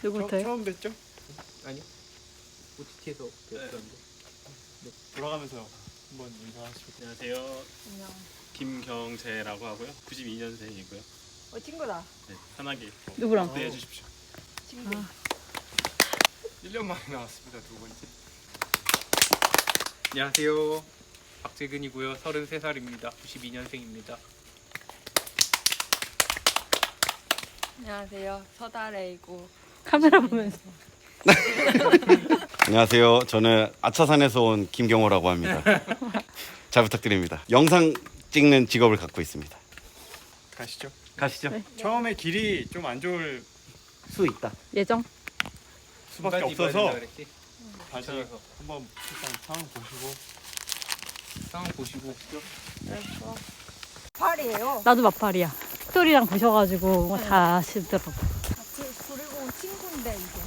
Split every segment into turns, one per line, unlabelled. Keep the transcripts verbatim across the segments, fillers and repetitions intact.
누구부터요?
처음 뵀죠?
아니요. 오티티에서 배웠었는데.
네. 돌아가면서 한번 인사하시고.
안녕하세요.
안녕.
김경재라고 하고요. 구십이 년생이고요.
어 친구다.
네, 편하게 뭐
누구랑?
대해 주십시오.
친구.
아. 일 년 만에 나왔습니다. 두 번째.
안녕하세요. 박재근이고요. 서른세 살입니다. 구십이 년생입니다.
안녕하세요. 서다래이고.
카메라 보면서.
안녕하세요. 저는 아차산에서 온 김경호라고 합니다. 잘 부탁드립니다. 영상 찍는 직업을 갖고 있습니다.
가시죠.
가시죠.
네.
처음에 길이 좀 안 좋을
수 있다.
예정.
수밖에
중간에 입어야
없어서
된다 그랬지?
다시
괜찮아서.
한번 일단 상황 보시고.
상황 보시고.
알았어. 팔이에요.
나도 마팔이야. 스토리랑 보셔가지고 다 아시더라고.
그, 그리고 친구인데 이게.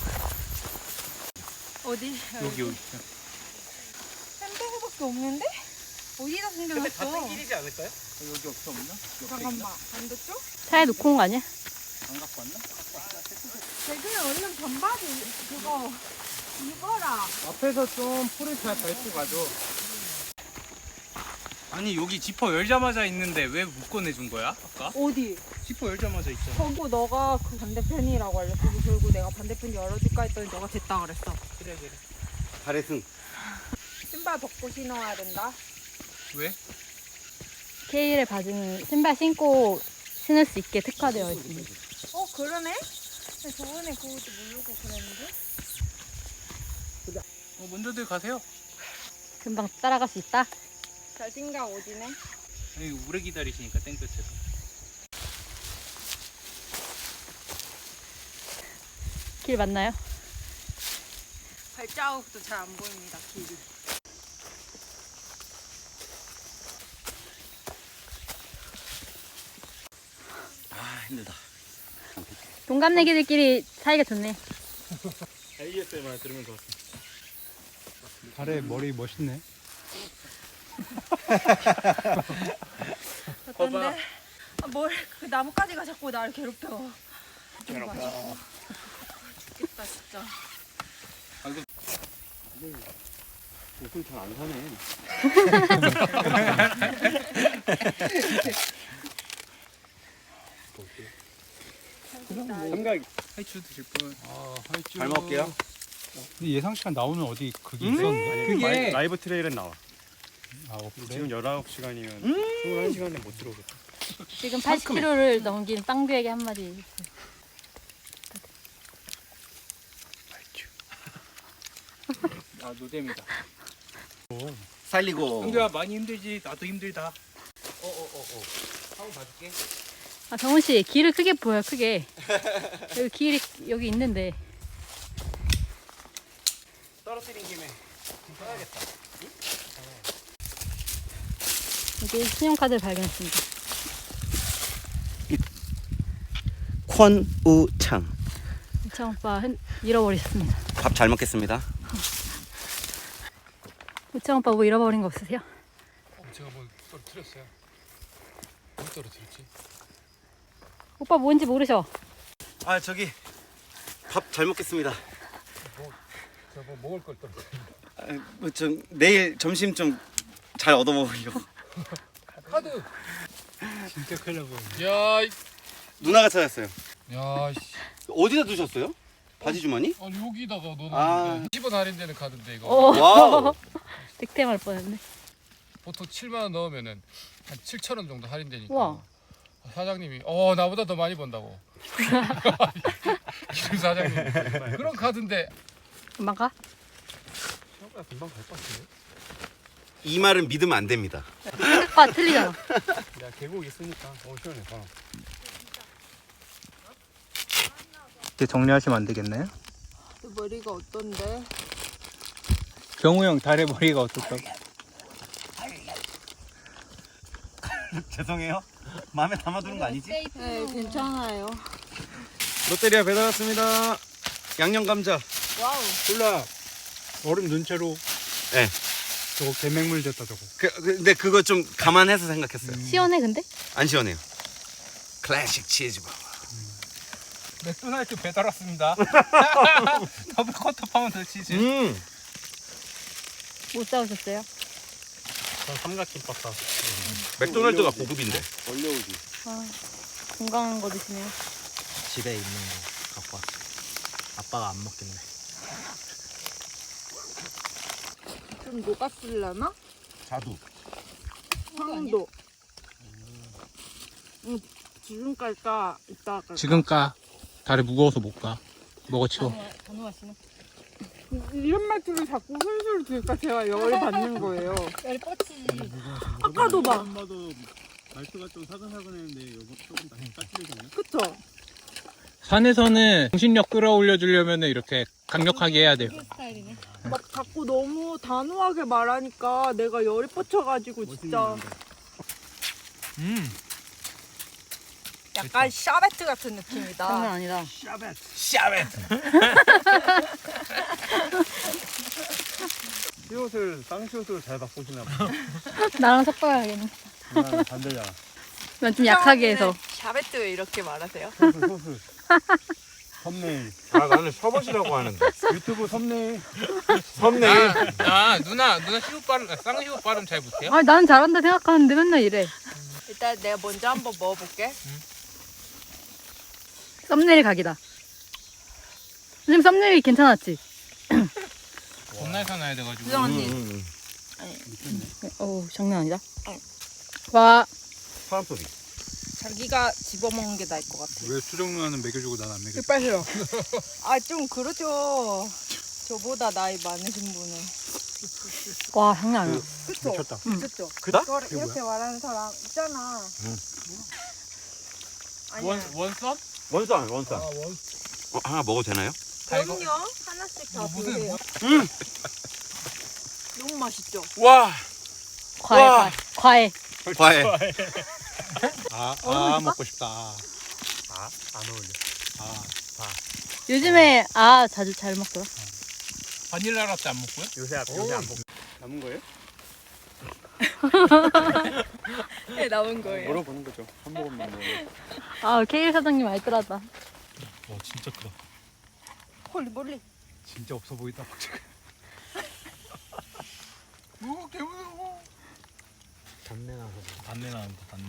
어디?
여기 여기.
샌드백밖에 없는데? 어디다 숨겨놨어?
길이지 않을까요? 여기 없어 없나?
잠깐만. 반대쪽?
차에 놓고 온 거 아니야?
안 갖고 왔나?
대근아 얼른 반바지 그거 입어라.
앞에서 좀 풀을 잘 밟고 가죠. 아니 여기 지퍼 열자마자 있는데 왜 묶어내준 거야? 아까?
어디?
지퍼 열자마자 있잖아.
그거 너가 그 반대편이라고 알렸고 그리고 내가 반대편 열어줄까 했더니 너가 됐다 그랬어.
그래 그래.
잘했음.
신발 벗고 신어야 된다.
왜?
케일의 바지는 신발 신고 신을 수 있게 특화되어 있습니다.
어 그러네? 근데 저번에 그것도 모르고 그랬는데?
어, 먼저들 가세요.
금방 따라갈 수 있다.
자신감 오지네.
아니 오래 기다리시니까 땡볕에서.
길 맞나요?
발자국도 잘 안 보입니다 길이.
아 힘들다.
동갑내기들끼리 사이가 좋네.
에이에스엠알 들으면 좋았습니다.
발에 머리 멋있네.
어떤데? 아, 뭘, 그 나뭇가지가 자꾸 나를 괴롭혀. 괴롭혀. 죽겠다 진짜.
옷은 잘 안 사네.
삼각
하이츄 드실 분.
아, 하이쭈.
잘 먹을게요.
근데 예상 시간 나오는 어디 그게
음?
있었는데?
그게-
라이, 라이브 트레일은 나와.
아, 없네.
지금 열아홉 시간이면
음?
이십일 시간에 못 들어오겠다.
지금 팔십 킬로그램를 넘긴 빵두에게 한마디.
아 노잼이다.
살리고.
형규야 많이 힘들지. 나도 힘들다. 어어어어. 한번 봐줄게.
아 정훈 씨 길을 크게 보여 크게. 여기 길이 여기 있는데.
떨어뜨린 김에 써야겠다.
여기 신용카드를 발견했습니다.
권우창.
우창 오빠 흔, 잃어버리셨습니다.
밥 잘 먹겠습니다.
우창 오빠 뭐 잃어버린 거 없으세요?
제가 뭐 떨어뜨렸어요. 뭘 떨어뜨렸지?
오빠 뭔지 모르셔.
아 저기 밥 잘 먹겠습니다.
제가 뭐 먹을 걸 떨어뜨렸어요.
아, 뭐좀 내일 점심 좀 잘 얻어 먹으려고.
카드. 진짜 큰일 날 뻔했네. 야, 이-
누나가 찾았어요.
야, 씨.
어디다 두셨어요? 바지 주머니?
아니 여기다가 넣어놨는데
아.
십 원 할인되는 카드인데 이거
오.
와우.
득템할 뻔했네.
보통 칠만 원 넣으면은 한 칠천 원 정도 할인되니까.
우와.
사장님이 어 나보다 더 많이 번다고. 기름 사장님 그런 카드인데
금방 가?
생각보다 금방 갈 것 같은데?
이 말은 믿으면 안 됩니다.
오빠 틀리잖아.
내가 계곡 있으니까. 어 시원해. 봐.
이제 정리하시면 안 되겠나요?
머리가 어떤데?
경우 형 달의 머리가 어떻다고?
죄송해요. 마음에 담아두는 거 아니지?
네 괜찮아요.
롯데리아 배달 왔습니다. 양념 감자.
와우.
콜라 얼음 넣은 채로
네.
저거 개맹물 졌다 저거.
그, 근데 그거 좀 감안해서 생각했어요.
시원해 근데?
안 시원해요. 클래식 치즈버거.
맥도날드 배달 왔습니다. 더블 쿼터 파운드 치즈.
음.
못 사오셨어요?
전 삼각김밥 사.
맥도날드가 고급인데.
올려오지.
아, 건강한 거 드시네요.
집에 있는 거 갖고 왔어. 아빠가 안 먹겠네.
좀 녹았을려나?
자두.
황도. 응, 지금까지 까 이따 까.
지금 까. 다리 무거워서 못 가. 먹어 치워.
단호가 씨는?
이런 말투를 자꾸 술술 들까 제가 열이 받는 거예요.
열이 뻗치지.
아까도 봐.
봐도 말투가 좀 사근사근했는데 이거 조금 더 까칠해졌네.
그쵸?
산에서는 정신력 끌어올려 주려면 이렇게 강력하게 해야 돼요.
스타일이네.
막 자꾸 너무 단호하게 말하니까 내가 열이 뻗쳐가지고 진짜
음.
약간 샤베트 같은 느낌이다.
장난 아니다.
샤벳.
시옷을 쌍시옷으로 잘 바꾸시나 봐.
나랑 섞어야겠네.
나는 반대잖아.
난 좀 약하게 해서.
샤베트 왜 이렇게 말하세요?
소스 소스. 썸네일.
아 나는 셔벗이라고 하는데.
유튜브 썸네일.
썸네일.
아 누나 누나 시옷 발음 쌍시옷 발음 잘 못해요?
아, 난 잘한다 생각하는데 맨날 이래.
일단 내가 먼저 한번 먹어볼게.
썸네일 각이다. 선생님 썸네일 괜찮았지?
겁나 사놔야 돼가지고.
수정 언니.
음,
어우, 장난 아니다. 와,
사람 소리.
자기가 집어먹는 게 나을 것 같아.
왜 수정 누나는 먹여주고 난 안 먹여?
이빨 싫어. 아, 좀 그러죠. 저보다 나이 많으신 분은.
와, 장난 아니야.
그쵸?
미쳤다.
그쵸?
그다?
이거를 이렇게 말하는 사람 있잖아. 아니야.
원 원썸?
원산 원산. 어, 하나 먹어도 되나요?
그럼요. 하나씩 다
무슨-
드세요.
음.
너무 맛있죠?
와.
과해,
와.
과해. 과해.
과해.
아,
어울릴까?
아 먹고 싶다.
아안 어울려.
아,
요즘에 아 자주 잘 먹더라.
바닐라 라떼 안 먹고요?
요새 앞 요새 안 먹. 남은 거예요?
네, 남은 거예요.
물어보는 거죠. 한 모금만 먹어.
아, 케일 사장님 알뜰하다.
와 진짜 크다.
홀리 몰리.
진짜 없어 보인다 박재근.
오 개무서워.
단내 나서.
단내 나는다 단내.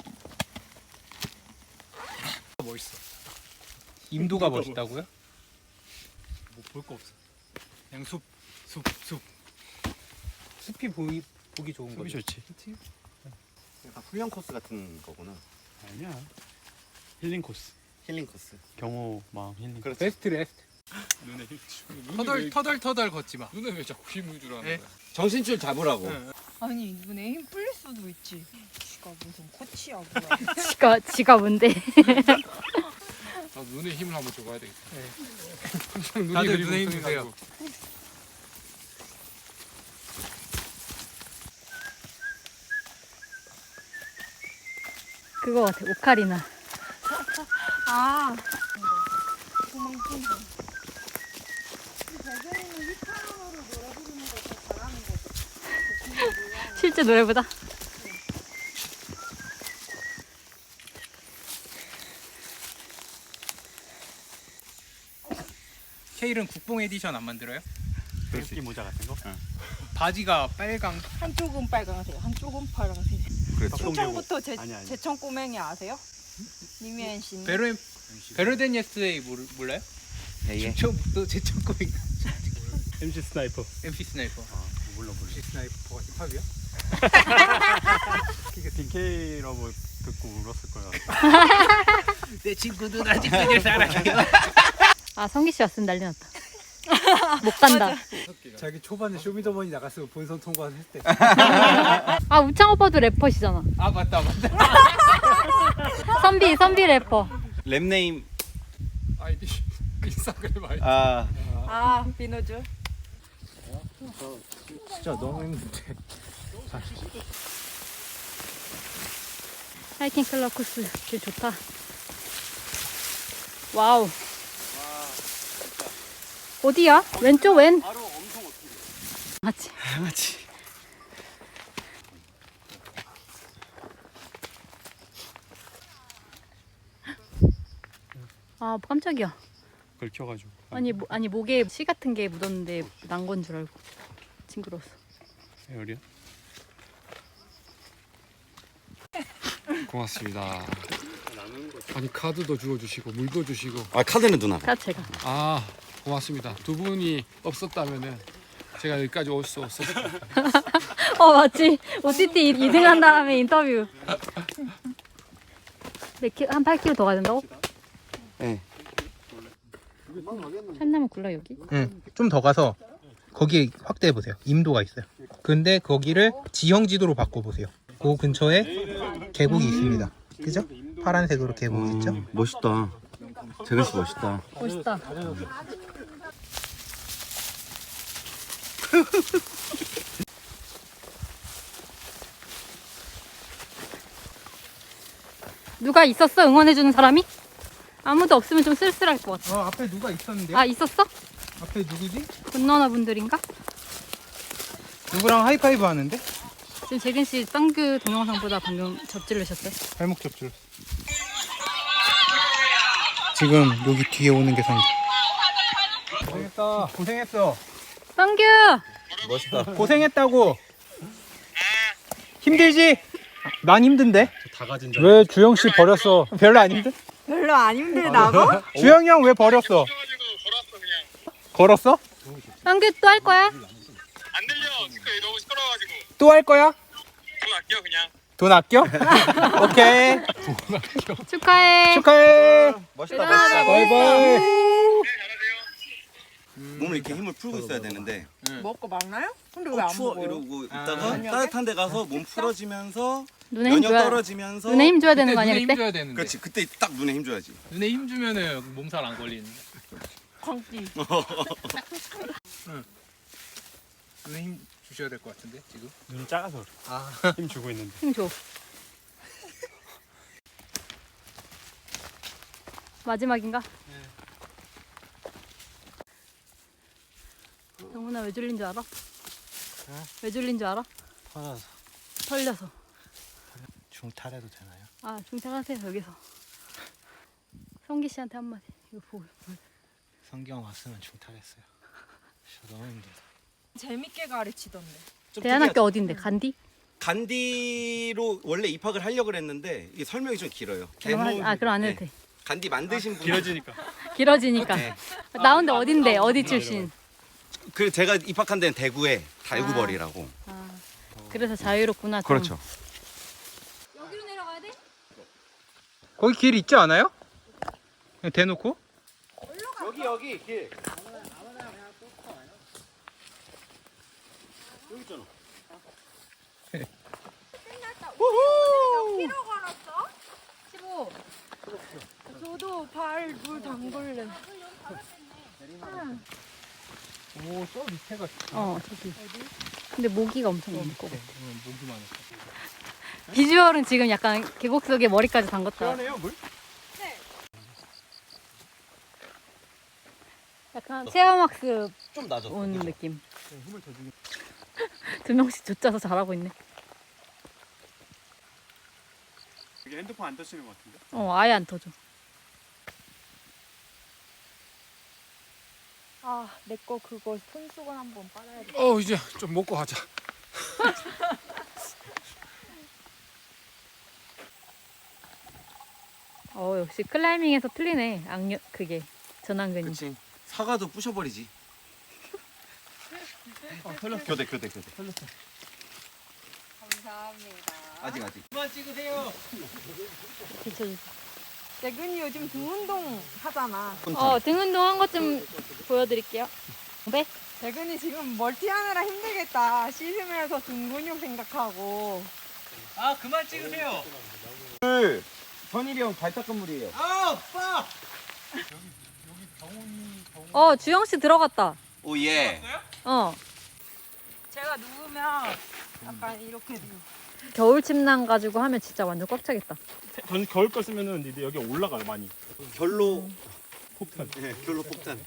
멋있어. 임도가 멋있다고요?
뭐 볼 거 없어. 그냥 숲, 숲, 숲.
숲이 보기 보기 좋은 거지.
좋지.
약간 훈련 코스 같은 거구나.
아니야. 힐링 코스.
힐링 코스.
경호 마음 힐링.
그렇지.
베스트 레스트.
눈에 힘 주고. 눈에
터덜
왜,
터덜 터덜 걷지 마.
눈에 왜 자꾸 힘을 주라는
네.
거야?
정신줄 잡으라고.
응.
아니, 눈에 힘 풀릴 수도 있지. 지가 무슨 코치야, 뭐야.
지가 지가 뭔데?
나 눈에 힘을 한번 줘봐야 되겠다.
네.
눈이
다들
그리고
눈에 힘
웅성해가지고.
그거 같아. 오카리나.
아.
실제 노래보다.
케일은 국뽕 에디션 안 만들어요?
벨기 모자 같은 거?
바지가 빨강.
한쪽은 빨강색, 한쪽은 파란색.
그렇죠.
초청부터 제,
아니, 아니.
제청 꼬맹이 아세요? 니미엔 씨는?
베르 베르덴 예스데이 모르, 몰라요?
예.
처음부터 제청 꼬맹이.
엠씨 스나이퍼.
엠씨 스나이퍼.
아 몰라 몰라.
엠씨 스나이퍼가 힙합이야?
그게 딘케이라고 듣고 울었을 거야.
내 친구들 아직 그녀를 사랑해요.
아, 성기 씨 왔으면 난리 났다. 못 간다.
자기 초반에 쇼미더머니 나갔으면 본선 통과했을 때.
아, 우창 오빠도 래퍼시잖아.
아 맞다 맞다.
선비 선비 래퍼.
랩 네임.
아이디 인스타그램 아이디.
아
아, 비노즈.
진짜 너무 힘든데.
하이킹 클럽 코스 길 좋다. 와우. 어디야? 왼쪽 왼.
바로 엄청 어떻게
맞지.
맞지.
아 깜짝이야.
긁혀가지고.
아니 모, 아니 목에 씨 같은 게 묻었는데 난 건 줄 알고 징그러웠어.
에어리야? 고맙습니다. 아니 카드도 주워주시고 물도 주시고.
아 카드는 누나.
다 제가.
아 고맙습니다. 두 분이 없었다면은 제가 여기까지 올 수 없었을 거예요.
어 맞지. 오티티 이 등 한 다음에 인터뷰. 몇 킬로, 한 팔 킬로미터 더 가야 된다고?
네.
참나무 굴러 여기?
응. 좀 더 가서 거기에 확대해 보세요. 임도가 있어요. 근데 거기를 지형 지도로 바꿔 보세요. 그 근처에 계곡이 있습니다. 그죠? 파란색으로 계곡 있죠?
음, 멋있다. 재근 씨 멋있다.
멋있다. 누가 있었어? 응원해주는 사람이? 아무도 없으면 좀 쓸쓸할 것 같아.
어, 앞에 누가 있었는데요?
아 있었어?
앞에 누구지?
건너너 분들인가?
누구랑 하이파이브 하는데?
지금 재근 씨 쌍규 동영상보다 방금 접질르셨어요?
발목 접질. 지금 여기 뒤에 오는 게 상대. 고생했다. 고생했어.
쌍규!
멋있다.
고생했다고. 힘들지? 난 힘든데.
다 가진
왜 주영 씨 버렸어? 별로 안 힘들?
별로 안 힘들다고?
주영이 형 왜 버렸어? 걸었어?
쌍규 또 할 거야?
안 들려. 스크이 너무 시끄러워가지고.
또 할 거야?
돈 아껴 그냥.
돈 아껴? 오케이.
축하해.
축하해.
멋있다.
대단하다.
바이바이.
몸을 이렇게 힘을 풀고 있어야 되는데.
먹고 막나요? 근데
어,
왜 안
추워
먹어요?
이러고 있다가 따뜻한 데 가서 몸 풀어지면서
눈에 힘
면역
줘야
떨어지면서
눈에 힘 줘야 되는
그때
거 아니야
눈에
그때?
힘 줘야 되는데.
그렇지 그때 딱 눈에 힘 줘야지.
눈에 힘 주면은 몸살 안 걸리는.
광기.
눈에 힘 주셔야 될 것 같은데 지금.
눈이 작아서
아.
힘 주고 있는데.
힘 줘. 마지막인가? 영훈아 왜 졸린 줄 알아? 왜 졸린 줄 알아?
화나서
털려서.
중탈해도 되나요?
아 중퇴하세요 여기서. 성기 씨한테 한마디. 이거 보고.
성경 왔으면 중탈했어요. 저 너무 힘들다.
재밌게 가르치던데.
좀
대안학교
특이하죠?
어딘데? 간디?
간디로 원래 입학을 하려고 그랬는데 이게 설명이 좀 길어요.
그럼 하- 아 그럼 안 해도
네.
돼.
간디 만드신 분.
길어지니까.
길어지니까.
네.
나온데 어딘데? 어디 출신?
그 제가 입학한 데는 대구에 달구벌이라고.
아 그래서 자유롭구나. 좀.
그렇죠.
여기로 내려가야 돼?
거기 길 있지 않아요? 그냥 대놓고?
여기 여기 길. 여기 있잖아.
몇 킬로 걸었어?
십오.
저도 발 물 담글래.
오, 저 밑에가.
어 저기. 근데 모기가 엄청 많을 거고.
목이 많았어.
비주얼은 지금 약간 계곡 속에 머리까지 담궜다.
시원해요, 물?
약간 체험학습
좀 낮아.
온 느낌. 두 명씩 쫓아서 잘하고 있네.
여기 핸드폰 안 떠시는 것 같은데?
어 아예 안 터져.
아, 내 거 그거 손수건 한번 빨아야 돼.
어 이제 좀 먹고 하자.
어 역시 클라이밍에서 틀리네. 악력 그게 전완근이.
그렇지. 사과도 부셔버리지. 어, 털렸어. 교대 교대 교대. 털렸어.
감사합니다.
아직 아직.
그만 찍으세요.
비춰주세요.
재근이 요즘 등 운동 하잖아.
어 등 운동한 것 좀 보여드릴게요. 네?
재근이 지금 멀티하느라 힘들겠다. 씻으면서 등 근육 생각하고.
아, 그만 찍으세요.
물. 선일이 형 발탁한 물이에요.
아, 오빠.
어 주영 씨 들어갔다.
오 예.
어
제가 누우면 약간 이렇게 누워.
겨울 침낭 가지고 하면 진짜 완전 꽉 차겠다.
전 겨울 거 쓰면은 이제 여기 올라가요 많이.
결로
폭탄.
네, 결로 폭탄.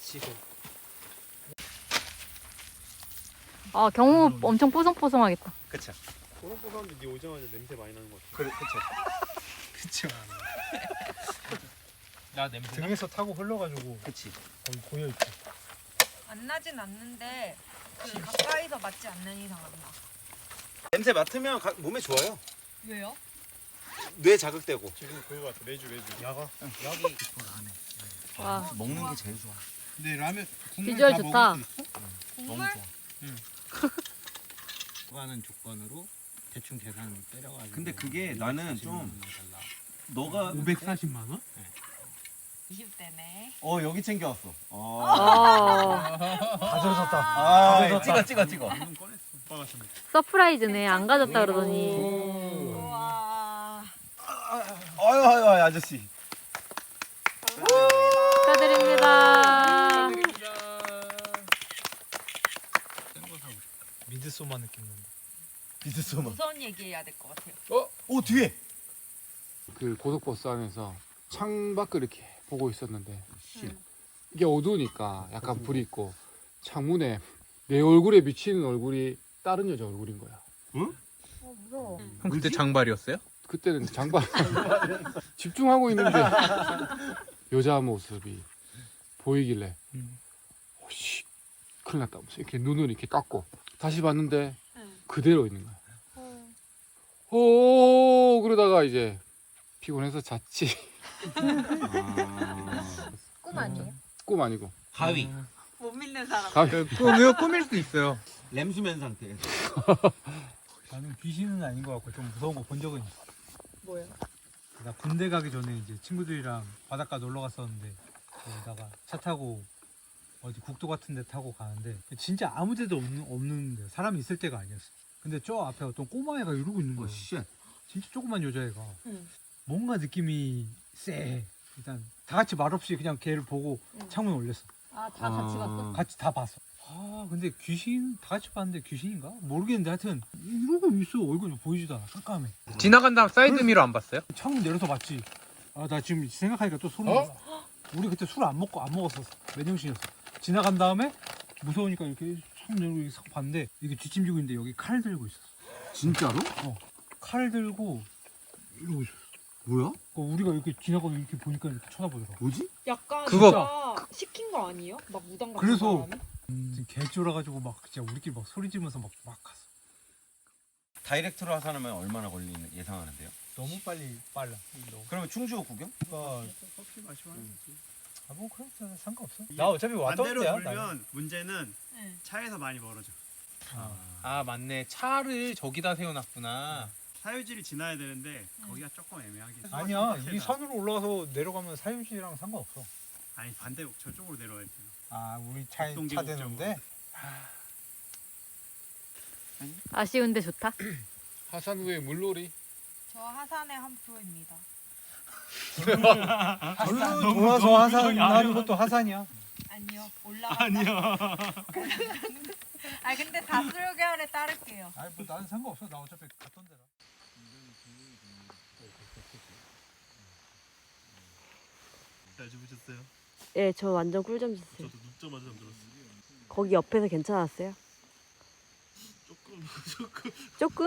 아 경우 엄청 뽀송뽀송하겠다.
그쵸.
뽀송뽀송한데 니 오자마자 냄새 많이 나는 것 같아.
그래 그쵸.
그쵸. 나 냄새.
등에서 타고 흘러가지고
그치.
거기 고여 있지.
안 나진 않는데 그 가까이서 맞지 않는 이상 안 나.
냄새 맡으면 가, 몸에 좋아요.
왜요?
뇌 자극되고.
지금 그거 같아. 매주 매주. 야가.
여기
와,
먹는 게 제일 좋아.
근데 라면
비주얼 좋다.
정말?
하는 조건으로 대충 계산 때려가지고.
근데 그게 나는 좀 너가
오백사십만 원?
이십 대네.
어 여기 챙겨왔어. 어.
어,
다 젖었다.
아 찍어 찍어 찍어.
오빠 같은데.
서프라이즈네. 안 가졌다 그러더니.
우와.
아유 아유 아유 아저씨.
축하드립니다.
미드소마 느낌 난다.
비스소마.
우선 얘기해야 될 것 같아요.
오 뒤에.
그 고속버스 안에서 창밖을 이렇게 보고 있었는데 이게 어두우니까 약간 불이 있고 창문에 내 얼굴에 비치는 얼굴이 다른 여자 얼굴인 거야.
어 무서워.
형 그때 장발이었어요?
그때는 장발 집중하고 있는데 여자 모습이 보이길래
음.
오씨 큰일 났다 하면서 이렇게 눈을 이렇게 깎고 다시 봤는데
응.
그대로 있는 거야.
어.
오 그러다가 이제 피곤해서 잤지.
꿈 아니에요?
꿈 아니고
가위.
못 믿는 사람.
가-
그 꿈, 꿈일 수도 있어요.
램수면 상태.
나는 귀신은 아닌 것 같고 좀 무서운 거 본 적은 있어.
뭐요?
나 군대 가기 전에 이제 친구들이랑 바닷가 놀러 갔었는데 거기다가 차 타고 어디 국도 같은 데 타고 가는데 진짜 아무 데도 없는, 없는데 사람이 있을 때가 아니었어. 근데 저 앞에 어떤 꼬마애가 이러고 있는 거야. 진짜 조그만 여자애가.
응.
뭔가 느낌이 쎄. 일단 다 같이 말없이 그냥 걔를 보고
응.
창문 올렸어.
아 다 같이 갔어?
같이 다 봤어. 아 근데 귀신 다 같이 봤는데 귀신인가? 모르겠는데 하여튼 이러고 있어. 얼굴이 보이지도 않아. 깜깜해.
지나간 다음 사이드 미러 안 봤어요?
창문 내려서 봤지. 아 나 지금 생각하니까 또 소름.
어?
돋아. 우리 그때 술 안 먹고 안 먹었었어. 맨정신이었어. 지나간 다음에 무서우니까 이렇게 손 내고 이렇게 싹 봤는데 이게 뒷짐지고 있는데 여기 칼 들고 있었어.
진짜로?
칼 들고 이러고 있었어.
뭐야?
그러니까 우리가 이렇게 지나가고 이렇게 보니까 이렇게 쳐다보더라고.
뭐지?
약간
그거-
진짜 시킨 거 아니에요? 막 무당 같은
그래서
사람이?
지금 개 쫄아가지고 막 진짜 우리끼리 막 소리 지르면서 막, 막 갔어.
다이렉트로 하산하면 얼마나 걸리는 예상하는데요?
너무 빨리 빨라.
그러면 충주 구경?
그러니까
커피 마시면
아뭐 그런 거 상관없어. 나 어차피 왔다
반대로
갔다
돌면 문제는
응.
차에서 많이 멀어져.
아 맞네. 차를 저기다 세워놨구나.
사유지를 지나야 되는데 거기가 조금 애매하게.
아니야 이
산
산으로 올라가서 내려가면 사유지랑 상관없어.
아니 반대 저쪽으로 내려와야 돼요.
아 우리 차에 차
동계곡
되는데
아쉬운데 좋다.
하산 후에 물놀이.
저 하산의 한 프로입니다.
절로 돌아서 하산하는 것도 하산이야.
아니요 올라가. 아니요. 아 근데 다수결에 따를게요.
아니 뭐 나는 상관없어. 나 어차피 갔던 데라.
잘 주무셨어요?
예, 저 완전 꿀잠 잤어요.
저도 눕자마자 잠들었어요.
거기 옆에서 괜찮았어요?
조금 조금
조금?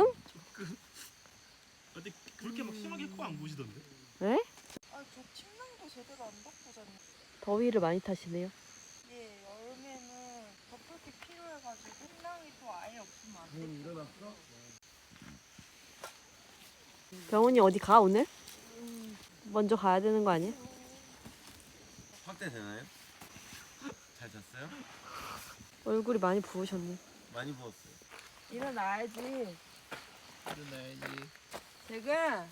근데 그렇게 막 심하게 코 안 부시던데?
네?
아저 침낭도 제대로 안 덮고 잤네.
더위를 많이 타시네요.
예 여름에는 덮을 게 필요해가지고 침낭이 또 아예 없으면 안 돼.
병원이 어디 가 오늘? 먼저 가야 되는 거 아니야?
확대 되나요? 잘 잤어요?
얼굴이 많이 부으셨네.
많이 부었어요.
일어나야지.
일어나야지.
지금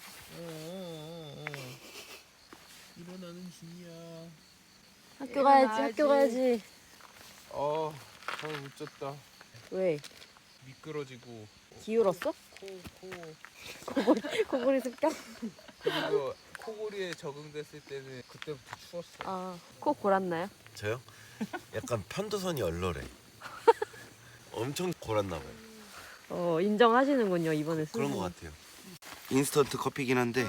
일어나는 중이야.
학교 가야지, 학교 가야지.
어, 잘 못 잤다.
왜?
미끄러지고
기울었어?
코, 코
코골이, 코골이 습격?
그리고 코골이에 적응됐을 때는 그때부터 추웠어.
아, 코 골았나요?
저요? 약간 편도선이 얼얼해. 엄청 골았나 봐요.
어, 인정하시는군요, 이번에
그런
수능.
것 같아요. 인스턴트 커피긴 한데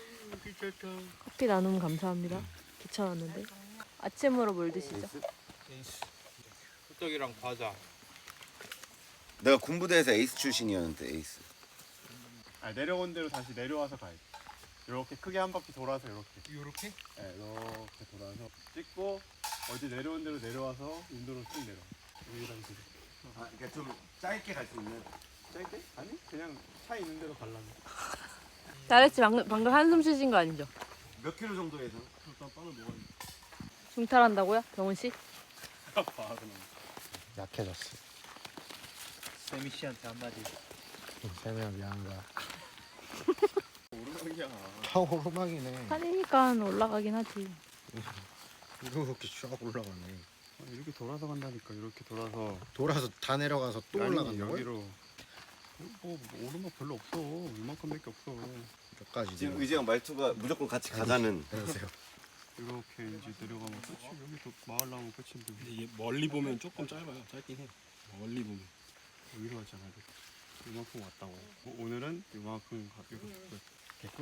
커피 나눔 감사합니다. 귀찮았는데. 아침으로 뭘 드시죠?
에이스. 호떡이랑 과자.
내가 군부대에서 에이스 출신이었는데 에이스.
아 내려온 대로 다시 내려와서 가야 돼.
이렇게 크게 한 바퀴 돌아서 이렇게.
이렇게?
네, 이렇게 돌아서 찍고 어디 내려온 대로 내려와서 인도로 쭉 내려. 여기랑 그.
아, 그러니까 좀 짧게 갈 수 있는.
짧게? 아니 그냥 차 있는 대로 가려면.
잘했지. 방금, 방금 한숨 쉬신 거 아니죠?
몇 킬로 정도에서?
일단 빵을 먹어야
중탈한다고요? 병훈 씨?
봐 그냥.
약해졌어.
세미 씨한테 한마디.
세미야 미안하다.
오르막이야.
다 오르막이네.
산이니까 올라가긴 하지.
이렇게 쫙 올라가네.
아, 이렇게 돌아서 간다니까. 이렇게 돌아서.
돌아서 다 내려가서 또
아니,
올라간다고요?
여기로. 뭐, 뭐 오르막 별로 없어. 이만큼밖에 없어.
몇 가지.
지금 의지형 말투가 무조건 같이 가자는.
그러세요.
이렇게 이제 내려가면 끝이. 여기 또 마을 나오면 끝인데.
근데 이게 멀리 보면 조금 짧아요. 짧긴 해. 멀리 보면.
여기로 왔잖아. 이만큼 왔다고. 어, 오늘은 이만큼 가. 이거 개꿀?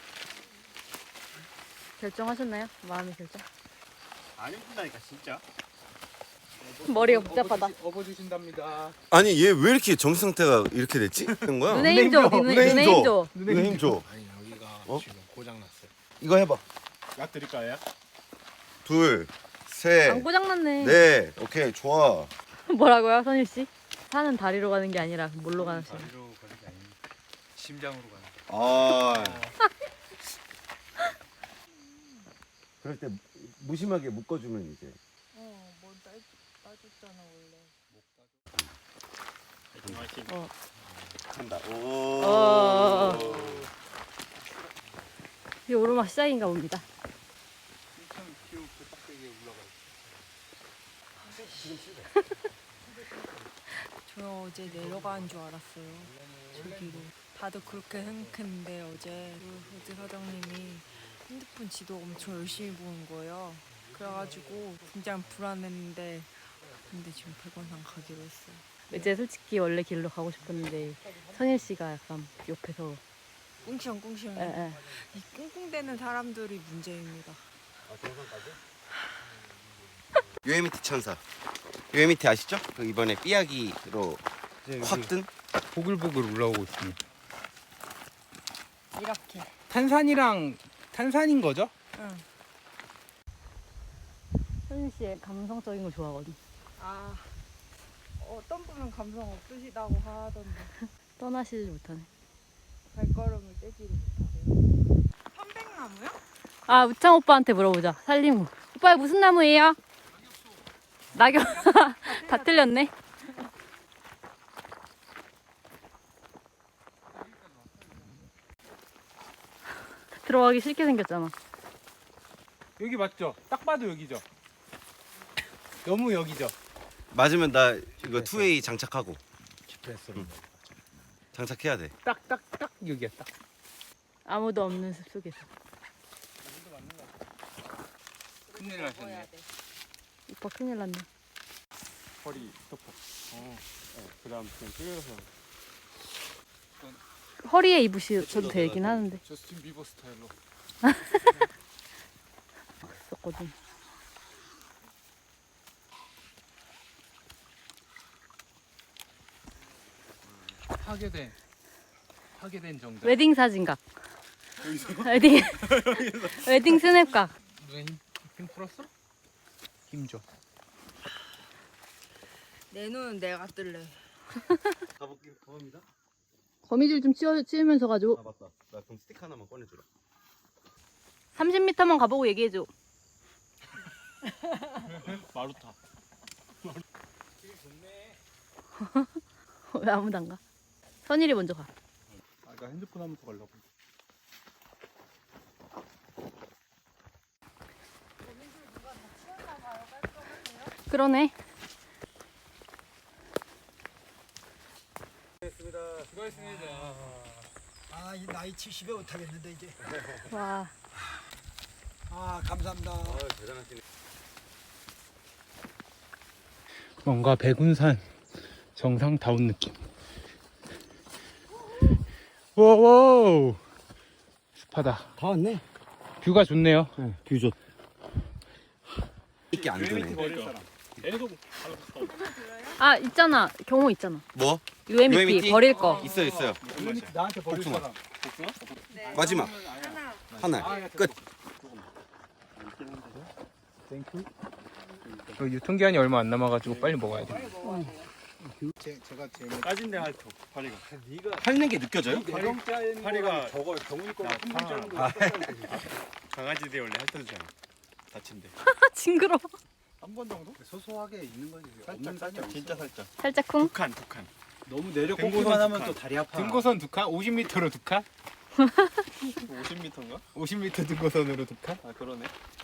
결정하셨나요? 마음의 결정?
안 힘든다니까 진짜.
머리가 복잡하다.
업어주신답니다.
아니 얘 왜 이렇게 정신 상태가 이렇게 됐지? 된 거야?
눈에 힘 줘. 눈에, 눈에 힘 줘.
눈에 힘 줘.
아니 여기가
어?
지금 고장 났어요.
이거 해봐.
약 드릴까요? 약?
둘, 셋,
안 고장났네.
넷. 오케이 좋아.
뭐라고요, 선일 씨? 산은 다리로 가는 게 아니라 뭘로 가는 시
다리로 가는 게 아니고
심장으로 가는.
아. 그럴 때 무심하게 묶어주면 이제.
어, 뭐 따, 따줬잖아 원래.
어.
한다. 오.
어. 이 오르막 시작인가 봅니다.
저 어제 내려가는 줄 알았어요. 저기로. 다들 그렇게 생각했는데 어제 그 어제 사장님이 핸드폰 지도 엄청 열심히 보는 거예요. 그래가지고 굉장히 불안했는데 근데 지금 백원산 가기로 했어요.
이제 솔직히 원래 길로 가고 싶었는데 선일 씨가 약간 옆에서
꿍시렁꿍시렁.
에, 에.
이 꿍꿍대는 사람들이 문제입니다.
요에미티 천사. 요에미티 아시죠? 그 이번에 삐약이로 확 뜬.
보글보글 올라오고 있습니다.
이렇게.
탄산이랑 탄산인 거죠?
응.
선일 씨 감성적인 거 좋아하거든.
아 어떤 분은 감성 없으시다고 하던데
떠나시질 못하네.
발걸음을 떼지를 못하세요. 편백나무요?
아, 우창 오빠한테 물어보자. 살리무. 오빠 무슨 나무예요? 낙엽. 다 틀렸네. 들어가기 싫게 생겼잖아.
여기 맞죠? 딱 봐도 여기죠. 너무 여기죠.
맞으면 나 이거 투웨이 장착하고.
지프레스로.
장착해야 돼.
딱 딱 딱 여기야 딱.
아무도 없는 숲속에서.
큰일 나셨네.
오빠 큰일 났네.
허리 스토퍼. 어. 네, 그다음 그냥 끌어서.
허리에 입으셔도 되긴 하는데.
저스틴 비버 스타일로.
있었거든.
파괴된 파괴된 정답.
웨딩 사진각. 웨딩 웨딩 스냅각.
눈에 힘, 힘 풀었어? 힘 줘.
내 눈은 내가 뜰래.
가볼게. 가봅니다.
거미줄 좀 치워, 치우면서 가지고.
아 맞다. 나 그럼 스틱 하나만 꺼내주라.
삼십 미터만 가보고 얘기해줘.
마루타.
왜 아무도 안 가? 선일이 먼저 가.
아, 나 핸드폰 한번 더 가려고.
그러네.
수고했습니다.
아, 이 나이 칠십에 못하겠는데 이제.
와.
아, 감사합니다.
아 대단하시네.
뭔가 백운산 정상다운 느낌. 와우. 습하다.
다 왔네.
뷰가 좋네요.
뷰 좋.
이게 안 되네.
계속
아 있잖아 경호 있잖아.
뭐?
유엠이피
유엠이티?
버릴 거.
있어 있어요.
나한테 버릴
복숭아.
사람.
마지막.
하나.
하나 끝.
유통기한이 얼마 안 남아가지고 빨리 먹어야 돼.
제, 제가 제일 까진데 할토 파리가.
핥는 게 느껴져요?
파리가 저거 경훈이 거한 번째로 강아지들 원래 핥아주잖아. 다친데.
징그러.
한 번 정도? 소소하게 있는 거지. 없는 살짝 진짜 살짝.
살짝 쿵.
두 칸, 두 칸.
너무 내려
등고선
꽂기만
두
하면
칸.
또 다리 아파.
등고선 두 칸? 오십 미터로 두 칸?
오십 미터인가?
오십 미터 등고선으로 두 칸?
아 그러네.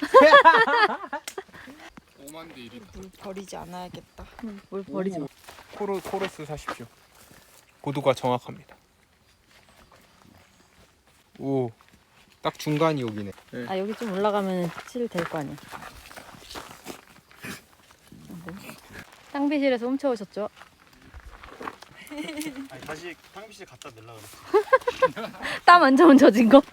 오만 대 일이다.
물 버리지 않아야겠다.
뭘 버리지 마.
코로, 코러스 사십시오. 고도가 정확합니다. 오, 딱 중간이 여기네. 네.
아 여기 좀 올라가면 칠 될 거 아니야. 탕비실에서 훔쳐오셨죠?
아니, 다시 탕비실 갖다 내려고 그랬어.
땀 안 좋은 젖은 거?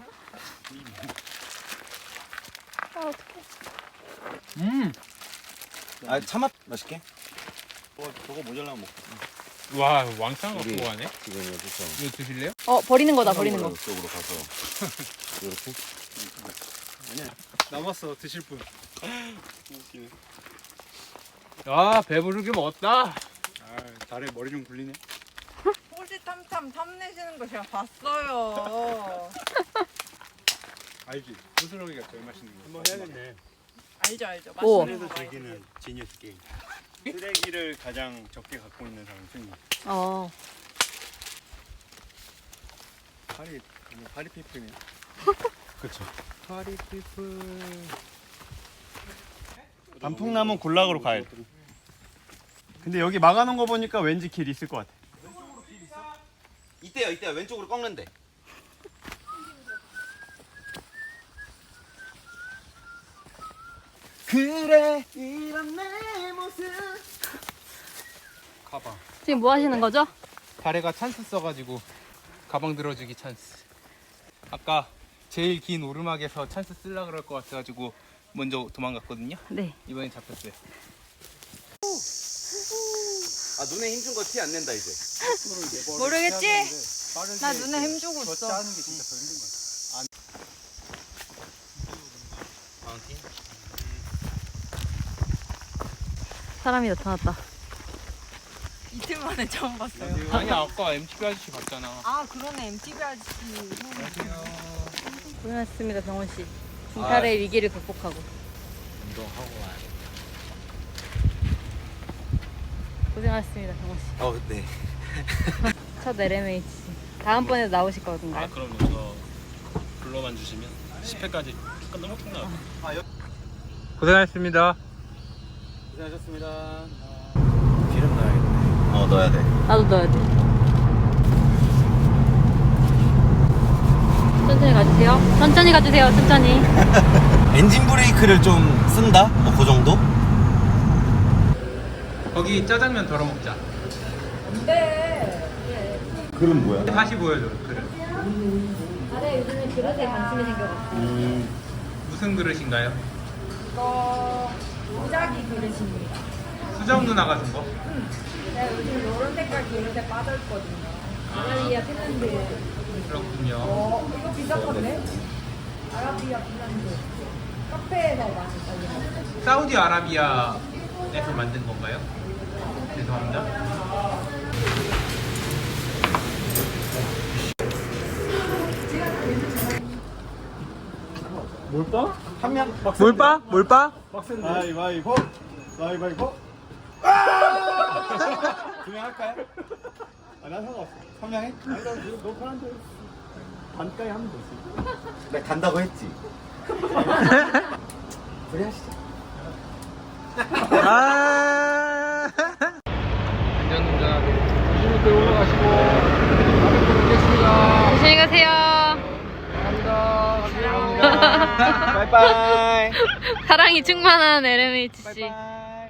아 어떡해.
음,
아 참았 맛있게.
저거, 저거 모자라면 먹고.
와, 왕창 갖고
우리
가네.
지금 여기서
이거 드실래요?
어 버리는 거다 버리는 거.
쪽으로 가서 이렇게.
남았어 드실 분.
아, 배부르게 먹었다.
아 다리 머리 좀 굴리네.
호시탐탐 탐내시는 거 제가 봤어요.
알지? 부스러기가 제일 맛있는 거. 한번 해야겠네.
알죠 알죠.
오.
맛있는
그래서
거.
즐기는 지니어스 게임. 쓰레기를 가장 적게 갖고 있는 사람 승리.
어.
파리 뭐 파리 피플이네.
그렇죠.
파리 피플.
단풍나무 군락으로 가야 돼. 근데 여기 막아놓은 거 보니까 왠지 길 있을 것 같아.
이때요, 이때요. 왼쪽으로 꺾는데. 그래 이런 내 모습.
가방.
지금 뭐 하시는 거죠?
발에가 찬스 써가지고 가방 들어주기 찬스. 아까 제일 긴 오르막에서 찬스 쓰려 그럴 것 같아가지고 먼저 도망갔거든요.
네.
이번엔 잡혔어요.
아 눈에 힘준 거 티 안 낸다 이제.
모르겠지? 나 눈에 힘 주고 있어.
하는 게 진짜 더 힘든 거야.
사람이 나타났다.
이틀 만에 처음 봤어요.
아니 아까 엠티비 아저씨 봤잖아.
아 그러네 엠티비 아저씨.
고생하셨습니다 병원 씨. 빈탈의 위기를 극복하고.
운동하고 와야 돼.
고생하셨습니다 병원 씨.
어 네.
첫 엘엠에이치. 다음번에도 나오실 거든가요?
아 그럼요. 저 불러만 주시면 십 회까지 끝나면 끝나요.
고생하셨습니다.
고생하셨습니다.
기름 넣어야겠네. 어 넣어야 돼.
나도 넣어야 돼. 천천히 가주세요. 천천히 가주세요. 천천히.
엔진 브레이크를 좀 쓴다? 뭐 그 정도?
거기 짜장면 덜어 먹자.
그럼 뭐야?
다시 보여줘. 그릇.
아래 요즘에 그릇에 관심이 생겨가지고.
무슨 그릇인가요?
이거 무작위 그릇입니다.
수정 누나가 준 거?
내가 요즘 노란 색깔 그릇에 빠졌거든요.
아라비아 핀란드.
그렇군요.
어 이거 비쌌던데? 아라비아 핀란드. 카페에서 많이 팔리는.
사우디아라비아에서 만든 건가요? 죄송합니다.
몰빵? 한 명.
몰빠? 몰빠?
가위바위보. 가위바위보. 두명 할까요? 아, 난 상관없어. 한 명 해? 아니, 너, 너 편한데. 반까지 하면 되지.
내가 간다고 했지. 그래 하시죠.
아. 안전운전하고
조심히 또 올라가시고 다음에 또 뵙겠습니다.
조심히 가세요.
감사합니다.
바이바이.
사랑이 충만한 엘엠에이치 씨.
바이바이.